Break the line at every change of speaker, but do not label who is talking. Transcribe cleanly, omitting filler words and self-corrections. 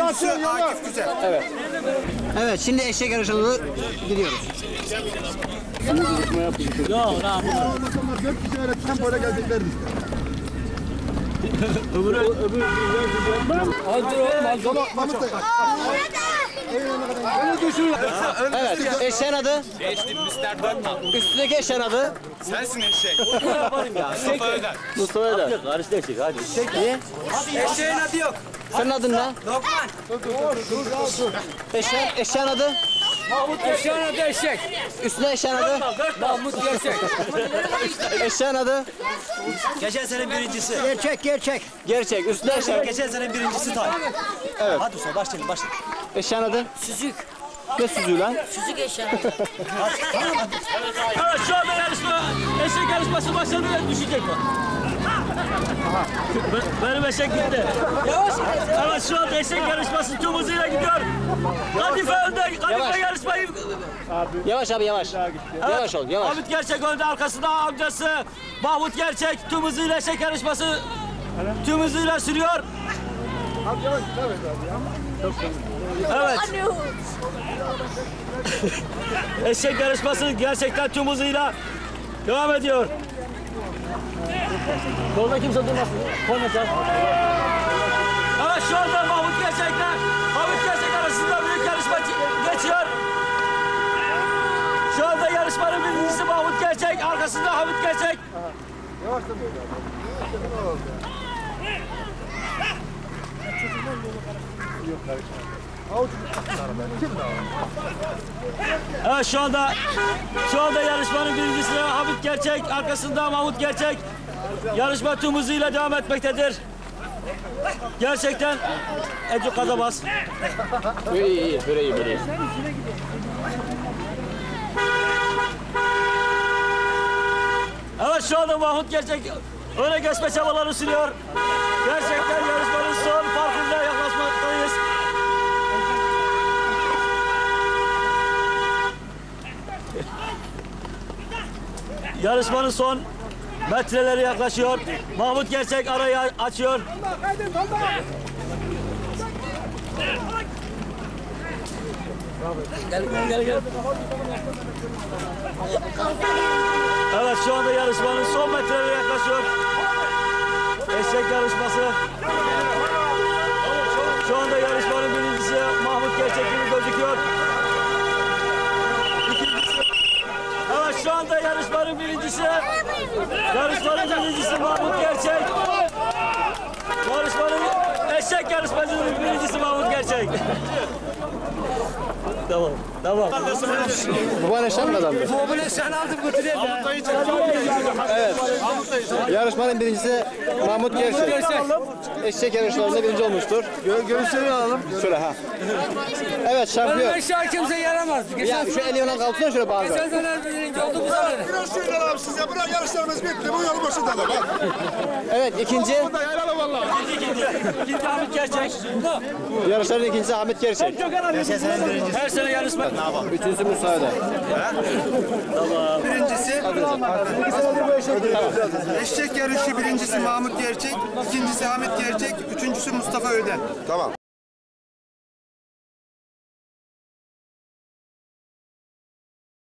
Üçüncüsü Akif Güzel.
Evet. Evet, şimdi eşek yarışına gidiyoruz.
Yok lan.
Dört kişi öğretmen böyle geleceklerdi.
Hazır oğlum hazır.
Evet, eşeğin adı?
Geçtim Mr. Dörtnal.
Üstündeki eşeğin adı?
Sensin eşek.
Yaparım ya.
Mustafa Öder.
Mustafa Öder.
Karıştı eşek hadi.
Niye?
Eşeğin adı yok.
Senin adın ne?
Lokman.
Eşeğin adı?
Mahmut eşeğin adı eşek.
Üstüne eşeğin adı?
Mahmut gerçek.
Eşeğin adı?
Geçen sene birincisi.
Gerçek. Üstüne eşeğin.
Geçen sene birincisi tay.
Evet.
Hadi usta başlayalım başlayalım.
Eşeğin adı?
Süzük.
Ne süzüğü lan?
Süzük eşya.
Evet şu anda yarışma, eşek yarışması başladı ve düşecek mi? Benim eşek gitti. Yavaş. Evet şu anda eşek yarışması tüm hızıyla gidiyor. Kadife önde,
Yavaş.
Kadife yarışmayı...
Yavaş abi yavaş. Yavaş ol yavaş.
Hamit Gerçek önde, arkasında amcası Mahmut Gerçek tüm hızıyla eşek yarışması tüm hızıyla sürüyor. Evet. Eşek yarışması gerçekten tüm hızıyla devam ediyor. Yolda kimse durmasın. Korna sen. Evet şu anda Mahmut Gerçek'le Hamit Gerçek arasında büyük yarışma geçiyor. Şu anda yarışmanın birincisi Mahmut Gerçek, arkasında Hamit Gerçek. Evet şu anda yarışmanın birincisi Hamit Gerçek, arkasında Mahmut Gerçek. Yarışma tüm hızıyla devam etmektedir. Gerçekten Ecu Kazabas.
Böyle iyi, böyle iyi, böyle iyi.
Evet şu anda Mahmut Gerçek öne geçme çabaları sürüyor. Gerçekten yarışmanın son farkında yaklaşmaktayız. Yarışmanın son metreleri yaklaşıyor. Mahmut Gerçek arayı açıyor. Gel. Evet şu anda yarışmanın son metreleri yaklaşıyor. Eşek yarışması. Şu anda yarışmanın birincisi Mahmut Gerçek gibi gözüküyor. Evet şu anda yarışmanın birincisi Mahmut Gerçek. Yarışmanın eşek yarışmasının birincisi Mahmut Gerçek. Tamam.
Baban eşeğin mi adamdı?
Bu eşeğini aldım götüreyim ya.
Evet. Yarışmanın birincisi Mahmut Gerçek. Eşek yarışlarında birinci olmuştur.
Görüşleri alalım.
Şöyle ha. Evet şampiyon.
Eşeği kimse yaramaz.
Ya şu eli ona kalksana şöyle bağlı.
Geçen sene birinci oldu bu sene.
Biraz şöyle alalım size. Bırak yarışlarımız bitti. Bu yolu başında da.
Evet ikinci.
Yayalım valla.
İkinci Hamit Gerçek.
Yarışların ikincisi Hamit Gerçek.
Her sene yarışma.
Üçüncüsü Musa Öder.
Birincisi eşek yarışı birincisi Mahmut Gerçek, ikincisi Hamit Gerçek, üçüncüsü Mustafa Öden. Tamam.